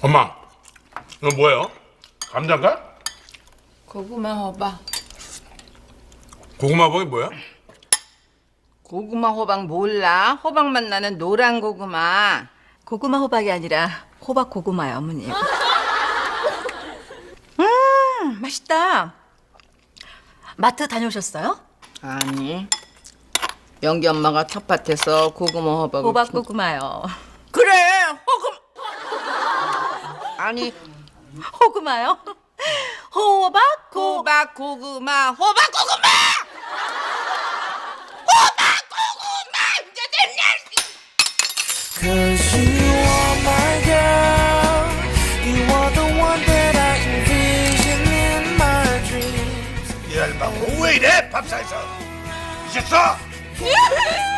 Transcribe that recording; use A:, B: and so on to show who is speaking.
A: 엄마, 이거 뭐예요? 감자인가?
B: 고구마 호박.
A: 고구마봉이 뭐야?
B: 고구마 호박 몰라? 호박맛 나는 노란 고구마.
C: 고구마 호박이 아니라 호박 고구마요, 어머니. 맛있다. 마트 다녀오셨어요?
B: 아니. 영기 엄마가 텃밭에서 고구마 호박을
C: 호박 고구마요.
B: 그래 호금 아니
C: 호구마요? 호박 고
B: 호박 고구마 호박 고구마 이제 됐냐?
D: Cause you are my girl. You are the one that I envision in my dreams.
A: 이 알바 왜 이래? 밥상에서 미쳤어?